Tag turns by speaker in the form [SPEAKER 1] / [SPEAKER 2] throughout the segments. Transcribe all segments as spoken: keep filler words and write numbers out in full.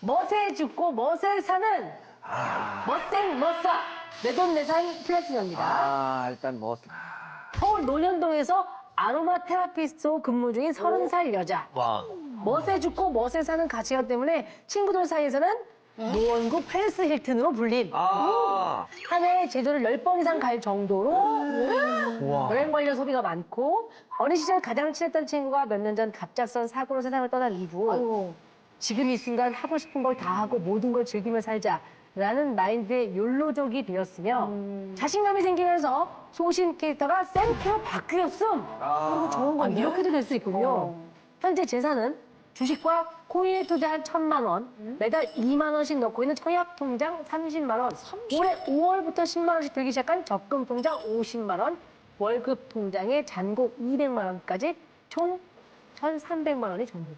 [SPEAKER 1] 멋에 죽고 멋에 사는 멋땡 멋사 내돈내산 플래티넘입니다.
[SPEAKER 2] 아, 일단 뭐.
[SPEAKER 1] 서울 논현동에서 아로마 테라피스트로 근무 중인 서른 살 여자.
[SPEAKER 2] 와.
[SPEAKER 1] 멋에 죽고 멋에 사는 가치관 때문에 친구들 사이에서는 노원구 페리스 힐튼으로 불림.
[SPEAKER 2] 아.
[SPEAKER 1] 한 해에 제주를 열 번 이상 갈 정도로
[SPEAKER 2] 와.
[SPEAKER 1] 여행 관련 소비가 많고 어린 시절 가장 친했던 친구가 몇 년 전 갑작스런 사고로 세상을 떠난 이후 지금 이 순간 하고 싶은 걸 다 하고 모든 걸 즐기며 살자라는 마인드의 욜로족이 되었으며 자신감이 생기면서 소신 캐릭터가 샘프로 바뀌었음.
[SPEAKER 2] 아.
[SPEAKER 1] 좋은 건 이렇게도 될 수 있군요. 현재 재산은 주식과 코인에 투자한 천만 원, 매달 이만 원씩 넣고 있는 청약 통장 삼십만 원, 올해 오월부터 십만 원씩 들기 시작한 적금 통장 오십만 원, 월급 통장에 잔고 이백만 원까지 총 천삼백만 원이 전부.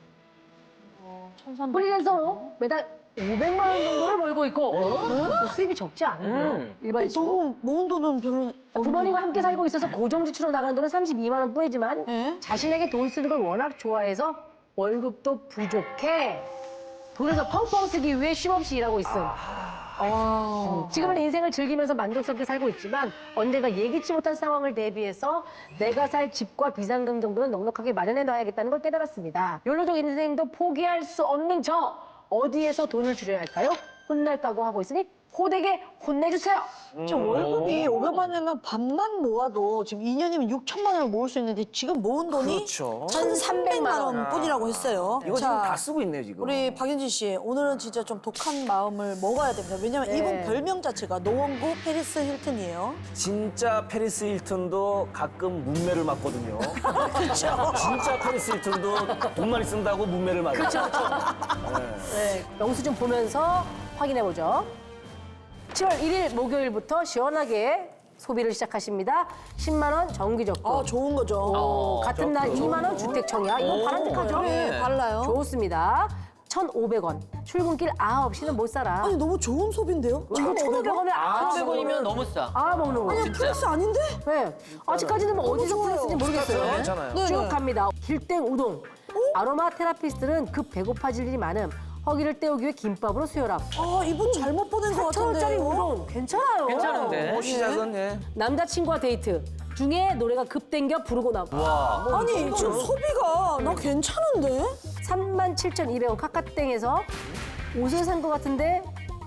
[SPEAKER 1] 프리랜서로 매달 오백만 원 정도를 벌고 있고 수입이 적지 않은 거예요. 일반적으로.
[SPEAKER 3] 너무 모은 돈은 별로.
[SPEAKER 1] 부모님과 함께 살고 있어서 고정지출로 나가는 돈은 삼십이만 원 뿐이지만
[SPEAKER 3] 예?
[SPEAKER 1] 자신에게 돈 쓰는 걸 워낙 좋아해서 월급도 부족해 돈을 더 펑펑 쓰기 위해 쉼없이 일하고 있음. 어, 지금은 인생을 즐기면서 만족스럽게 살고 있지만 언젠가 예기치 못한 상황을 대비해서 내가 살 집과 비상금 정도는 넉넉하게 마련해 놔야겠다는 걸 깨달았습니다. 욜로족 인생도 포기할 수 없는 저 어디에서 돈을 줄여야 할까요? 혼날 각오하고 있으니 호되게 혼내주세요.
[SPEAKER 3] 저 월급이 오백만 원이면 반만 모아도 지금 이 년이면 육천만 원을 모을 수 있는데 지금 모은 돈이
[SPEAKER 2] 그렇죠.
[SPEAKER 3] 천삼백만 원 뿐이라고 했어요.
[SPEAKER 2] 이거 지금 다 쓰고 있네요, 지금.
[SPEAKER 3] 우리 박윤진 씨, 오늘은 진짜 좀 독한 마음을 먹어야 됩니다. 왜냐면
[SPEAKER 1] 네.
[SPEAKER 3] 이분 별명 자체가 노원구 페리스 힐튼이에요.
[SPEAKER 2] 진짜 페리스 힐튼도 가끔 문매를 맞거든요.
[SPEAKER 3] 그렇죠.
[SPEAKER 2] 진짜 페리스 힐튼도 돈 많이 쓴다고 문매를 맞아요.
[SPEAKER 1] 그렇죠. 네, 영수증 보면서 확인해보죠. 칠월 일일 목요일부터 시원하게 소비를 시작하십니다. 십만 원 정기적금.
[SPEAKER 3] 아, 좋은 거죠.
[SPEAKER 1] 어, 같은 날 이만 원 주택 청약. 이거 바람직하죠?
[SPEAKER 3] 네, 달라요.
[SPEAKER 1] 좋습니다. 천오백 원. 출근길 아홉 시는 못 살아.
[SPEAKER 3] 아니, 너무 좋은 소비인데요?
[SPEAKER 1] 이거 천오백 원에 아홉
[SPEAKER 4] 천오백 원이면 너무 싸.
[SPEAKER 1] 아 먹는 거.
[SPEAKER 3] 아니, 플러스 아닌데?
[SPEAKER 1] 네. 아직까지는 뭐 어디서
[SPEAKER 3] 좋아요.
[SPEAKER 1] 풀렸는지 모르겠어요.
[SPEAKER 2] 괜찮아요.
[SPEAKER 3] 네,
[SPEAKER 1] 쭉
[SPEAKER 3] 네.
[SPEAKER 1] 갑니다. 길땡 우동. 아로마 테라피스트는 급 배고파질 일이 많음. 허기를 때우기 위해 김밥으로 수혈함.
[SPEAKER 3] 아, 이분 잘못 보낸 것
[SPEAKER 1] 사천
[SPEAKER 3] 같은데.
[SPEAKER 1] 원짜리 우동 괜찮아요.
[SPEAKER 4] 괜찮은데?
[SPEAKER 2] 뭐 시작은 예.
[SPEAKER 1] 남자친구와 데이트 중에 노래가 급 땡겨 부르고 나고. 뭐
[SPEAKER 3] 아니, 지금 소비가 나 괜찮은데?
[SPEAKER 1] 삼만 칠천이백 원 카카땡에서 옷을 산 것 같은데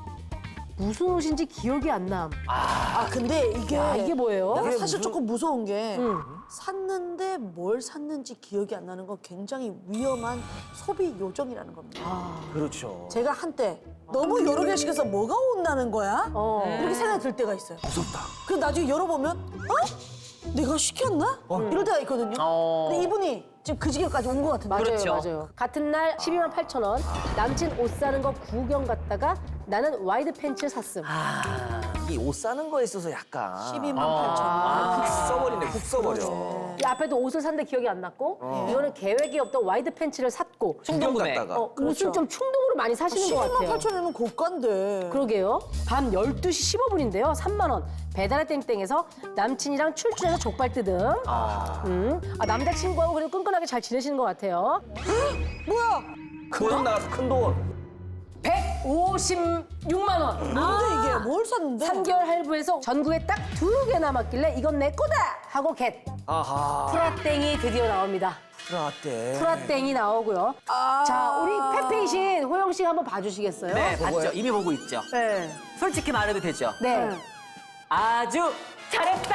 [SPEAKER 1] 무슨 옷인지 기억이 안 남.
[SPEAKER 3] 아, 근데 이게.
[SPEAKER 1] 야, 이게 뭐예요?
[SPEAKER 3] 내가 사실 조금 무서운 게
[SPEAKER 1] 응.
[SPEAKER 3] 샀는데 뭘 샀는지 기억이 안 나는 건 굉장히 위험한 소비 요정이라는 겁니다.
[SPEAKER 2] 그렇죠.
[SPEAKER 3] 제가 한때 너무 여러 개 시켜서 뭐가 온다는 거야?
[SPEAKER 1] 어.
[SPEAKER 3] 이렇게 생각이 들 때가 있어요.
[SPEAKER 2] 무섭다.
[SPEAKER 3] 그 나중에 열어보면 어? 내가 시켰나? 이럴 때가 있거든요.
[SPEAKER 4] 어.
[SPEAKER 3] 근데 이분이 지금 그 지경까지 온 것 같은데.
[SPEAKER 1] 맞아요,
[SPEAKER 4] 그렇죠.
[SPEAKER 1] 맞아요. 같은 날 십이만 팔천 원. 남친 옷 사는 거 구경 갔다가 나는 와이드 팬츠 샀음.
[SPEAKER 2] 이 옷 사는 거에 있어서 약간
[SPEAKER 3] 십이만 팔천 원.
[SPEAKER 2] 아, 훅 써버리네, 훅 써버려.
[SPEAKER 1] 이 앞에도 옷을 샀는데 기억이 안 났고 이거는 계획이 없던 와이드 팬츠를 샀고
[SPEAKER 2] 충동
[SPEAKER 4] 구매.
[SPEAKER 2] 갔다가.
[SPEAKER 1] 어, 옷은 좀 충동으로 많이 사시는 것
[SPEAKER 3] 십이만
[SPEAKER 1] 같아요.
[SPEAKER 3] 팔천 원이면 고가인데.
[SPEAKER 1] 그러게요. 밤 열두 시 십오 분인데요. 삼만 원. 배달의 땡땡에서 남친이랑 출출해서 족발 뜯음.
[SPEAKER 2] 아.
[SPEAKER 1] 음. 아, 남자친구하고 그래도 끈끈하게 잘 지내시는 것 같아요.
[SPEAKER 3] 뭐야?
[SPEAKER 2] 큰 돈 나가서 큰 돈.
[SPEAKER 1] 백오십육만 원.
[SPEAKER 3] 뭔데 이게? 뭘 샀는데?
[SPEAKER 1] 삼 개월 할부해서 전국에 딱 두 개 남았길래 이건 내 거다 하고 겟.
[SPEAKER 2] 아하.
[SPEAKER 1] 프라땡이 드디어 나옵니다.
[SPEAKER 2] 프라떼.
[SPEAKER 1] 프라땡이 나오고요.
[SPEAKER 3] 아.
[SPEAKER 1] 자, 우리 페페이신 호영 씨가 한번 봐주시겠어요?
[SPEAKER 4] 네, 봤죠. 이미 보고 있죠.
[SPEAKER 1] 네.
[SPEAKER 4] 솔직히 말해도 되죠.
[SPEAKER 1] 네.
[SPEAKER 4] 아주 잘했다!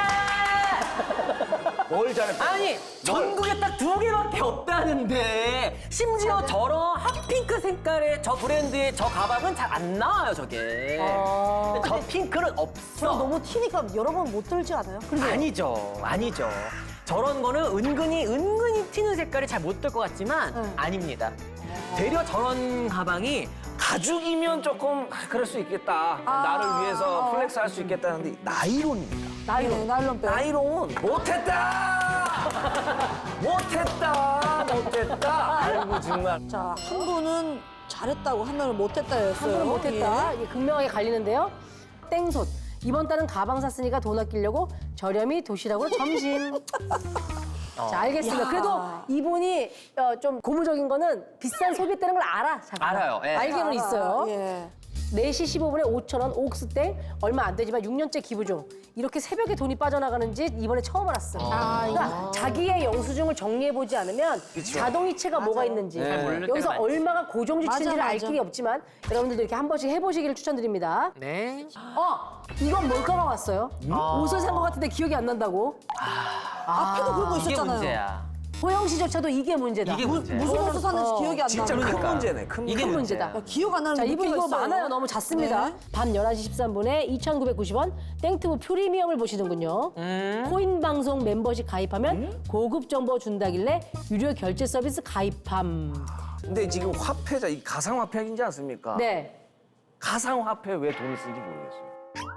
[SPEAKER 2] 뭘 잘했다.
[SPEAKER 4] 아니, 전국에 딱 두 개밖에 없다는데 심지어 저런 핫핑크 색깔의 저 브랜드의 저 가방은 잘 안 나와요, 저게.
[SPEAKER 1] 어.
[SPEAKER 4] 근데 저 핑크는
[SPEAKER 3] 저
[SPEAKER 4] 없어.
[SPEAKER 3] 너무 튀니까 여러 번 못 들지 않아요?
[SPEAKER 4] 아니죠, 아니죠. 저런 거는 은근히 은근히 튀는 색깔이 잘 못 들 것 같지만
[SPEAKER 3] 응.
[SPEAKER 4] 아닙니다. 되려 저런 가방이
[SPEAKER 2] 가죽이면 조금 아, 그럴 수 있겠다. 나를 위해서 플렉스 할 수 있겠다 하는데 나이론입니다.
[SPEAKER 3] 나이론. 네, 나일론 빼.
[SPEAKER 2] 나이론 못했다! 못했다! 못했다! 아이고 정말.
[SPEAKER 3] 자, 한 분은 잘했다고, 한 명은 못했다였어요.
[SPEAKER 1] 한 분은 못했다. 이게 극명하게 갈리는데요. 땡솥. 이번 달은 가방 샀으니까 돈 아끼려고 저렴이 도시락으로 점심. 자, 알겠습니다.
[SPEAKER 3] 야.
[SPEAKER 1] 그래도 이분이 어, 좀 고무적인 거는 비싼 소비했다는 걸 알아. 자기가.
[SPEAKER 4] 알아요, 예.
[SPEAKER 1] 알기는
[SPEAKER 3] 알아,
[SPEAKER 1] 있어요.
[SPEAKER 3] 예.
[SPEAKER 1] 네 시 십오 분에 오천 원, 옥스땡 얼마 안 되지만 육 년째 기부 중. 이렇게 새벽에 돈이 빠져나가는지 이번에 처음 알았어.
[SPEAKER 3] 아,
[SPEAKER 1] 그러니까 자기의 영수증을 정리해보지 않으면 자동이체가 뭐가 있는지
[SPEAKER 4] 잘 모를
[SPEAKER 1] 여기서
[SPEAKER 4] 때가 많지.
[SPEAKER 1] 얼마가 고정지출인지를
[SPEAKER 3] 맞아,
[SPEAKER 1] 알
[SPEAKER 3] 맞아.
[SPEAKER 1] 길이 없지만 여러분들도 이렇게 한 번씩 해보시기를 추천드립니다.
[SPEAKER 4] 네.
[SPEAKER 1] 어, 이건 뭘까가 왔어요. 옷을 산 것 같은데 기억이 안 난다고.
[SPEAKER 3] 앞에도 그런 거
[SPEAKER 4] 이게
[SPEAKER 3] 있었잖아요.
[SPEAKER 4] 문제야.
[SPEAKER 1] 호영 씨조차도 이게 문제다.
[SPEAKER 4] 이게 문제야.
[SPEAKER 3] 무슨 옷을 샀는지
[SPEAKER 1] 어,
[SPEAKER 3] 기억이 안
[SPEAKER 2] 진짜
[SPEAKER 3] 나는
[SPEAKER 2] 큰
[SPEAKER 3] 거.
[SPEAKER 2] 문제네. 큰
[SPEAKER 4] 이게
[SPEAKER 2] 문제.
[SPEAKER 1] 문제다.
[SPEAKER 3] 야, 기억 안 나는
[SPEAKER 1] 자, 이분
[SPEAKER 3] 루피가
[SPEAKER 1] 이거
[SPEAKER 3] 있어요.
[SPEAKER 1] 많아요. 너무 잦습니다.
[SPEAKER 3] 네.
[SPEAKER 1] 밤 열한 시 십삼 분에 이천구백구십 원 땡튜브 프리미엄을 보시는군요.
[SPEAKER 4] 음.
[SPEAKER 1] 코인 방송 멤버십 가입하면 고급 정보 준다길래 유료 결제 서비스 가입함.
[SPEAKER 2] 근데 지금 화폐자 이 가상화폐인지 않습니까?
[SPEAKER 1] 네.
[SPEAKER 2] 가상화폐 왜 돈을 쓰는지 모르겠어요.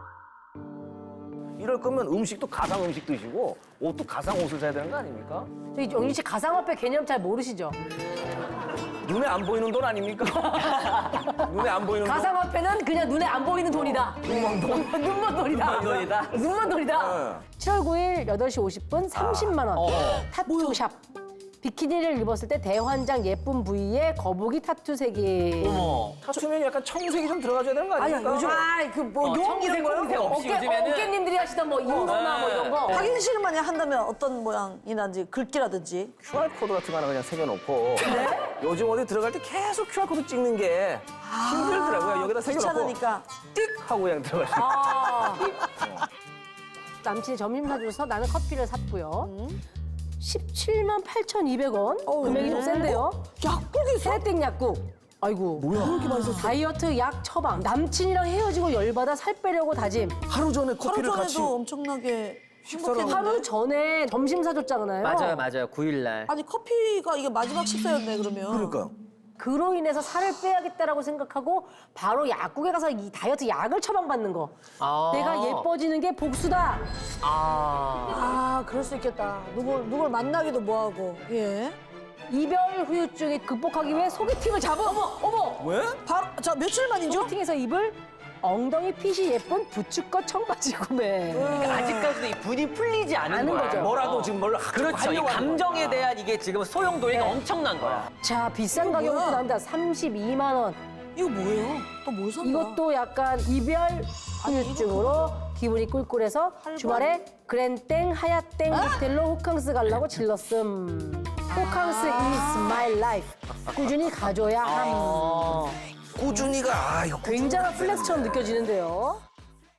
[SPEAKER 2] 이럴 거면 음식도 가상 음식 드시고 옷도 가상 옷을 사야 되는 거 아닙니까?
[SPEAKER 1] 저기 영진 씨 가상화폐 개념 잘 모르시죠?
[SPEAKER 2] 눈에 안 보이는 돈 아닙니까? 눈에 안 보이는 돈.
[SPEAKER 1] 가상화폐는 그냥 눈에 안 보이는 돈이다. 눈먼 돈. 눈먼 돈이다.
[SPEAKER 4] 눈먼 돈이다.
[SPEAKER 1] 눈먼 돈이다.
[SPEAKER 2] 네.
[SPEAKER 1] 칠월 구일 여덟 시 오십 분 삼십만 원.
[SPEAKER 4] 어.
[SPEAKER 1] 타투샵. 비키니를 입었을 때 대환장 예쁜 부위에 거북이 타투 세 개.
[SPEAKER 4] 어머.
[SPEAKER 2] 타투면 약간 청색이 좀 들어가줘야 되는 거 아닙니까?
[SPEAKER 3] 요즘 아, 그뭐
[SPEAKER 4] 어,
[SPEAKER 3] 용 이런
[SPEAKER 4] 청색,
[SPEAKER 3] 거요?
[SPEAKER 4] 검은색 없이
[SPEAKER 1] 어깨,
[SPEAKER 4] 요즘에는
[SPEAKER 1] 어깨님들이 하시던 뭐 인거나 뭐 이런 거.
[SPEAKER 3] 확인 실험만 한다면 어떤 모양이나지 글귀라든지.
[SPEAKER 2] 큐알코드 같은 거 하나 그냥 새겨놓고 요즘 어디 들어갈 때 계속 큐알코드 찍는 게 힘들더라고요. 여기다 새겨놓고
[SPEAKER 3] 귀찮으니까.
[SPEAKER 2] 띡 하고 그냥 들어가시고.
[SPEAKER 1] 아. 남친이 점심 사줘서 나는 커피를 샀고요. 십칠만 팔천이백 원. 금액이 좀 센데요.
[SPEAKER 3] 약국이 있어?
[SPEAKER 1] 세땡 약국. 아이고.
[SPEAKER 2] 뭐야?
[SPEAKER 3] 그렇게 많이 썼어.
[SPEAKER 1] 다이어트 약 처방. 남친이랑 헤어지고 열받아 살 빼려고 다짐.
[SPEAKER 2] 하루 전에
[SPEAKER 3] 하루
[SPEAKER 2] 커피를
[SPEAKER 3] 전에도
[SPEAKER 2] 같이
[SPEAKER 3] 엄청나게
[SPEAKER 2] 식사를
[SPEAKER 3] 행복했는데.
[SPEAKER 1] 하루 전에 점심 사줬잖아요.
[SPEAKER 4] 맞아요, 맞아요. 구일 날.
[SPEAKER 3] 아니 커피가 이게 마지막 식사였네 그러면.
[SPEAKER 2] 그러니까
[SPEAKER 1] 그로 인해서 살을 빼야겠다라고 생각하고 바로 약국에 가서 이 다이어트 약을 처방받는 거.
[SPEAKER 4] 아.
[SPEAKER 1] 내가 예뻐지는 게 복수다.
[SPEAKER 4] 아.
[SPEAKER 3] 아 그럴 수 있겠다. 누굴 누굴 만나기도 뭐하고. 예.
[SPEAKER 1] 이별 후유증을 극복하기 위해 소개팅을 잡음. 어머, 어머.
[SPEAKER 2] 왜?
[SPEAKER 3] 바로 자 며칠 만이죠?
[SPEAKER 1] 소개팅에서 입을 엉덩이 핏이 예쁜 부츠컷 청바지 구매.
[SPEAKER 4] 그러니까 아직까지도 이 분이 풀리지 않은
[SPEAKER 1] 않은
[SPEAKER 4] 거야.
[SPEAKER 1] 거죠.
[SPEAKER 2] 뭐라도 지금 뭘
[SPEAKER 4] 그렇죠. 이 감정에 대한 이게 지금 소용돌이가
[SPEAKER 1] 네.
[SPEAKER 4] 엄청난 거야.
[SPEAKER 1] 자, 비싼 가격으로
[SPEAKER 3] 뭐야?
[SPEAKER 1] 또 나옵니다. 삼십이만 원.
[SPEAKER 3] 이거 뭐예요? 또 뭘 산다?
[SPEAKER 1] 이것도 약간 이별 후유증으로 기분이 꿀꿀해서 주말에 그랜땡 하얏땡 호텔로 호캉스 가려고 질렀음. 호캉스 is my life. 꾸준히 가줘야 함.
[SPEAKER 4] 어.
[SPEAKER 2] 꾸준히가 아 이거
[SPEAKER 1] 굉장한 플렉스처럼 느껴지는데요.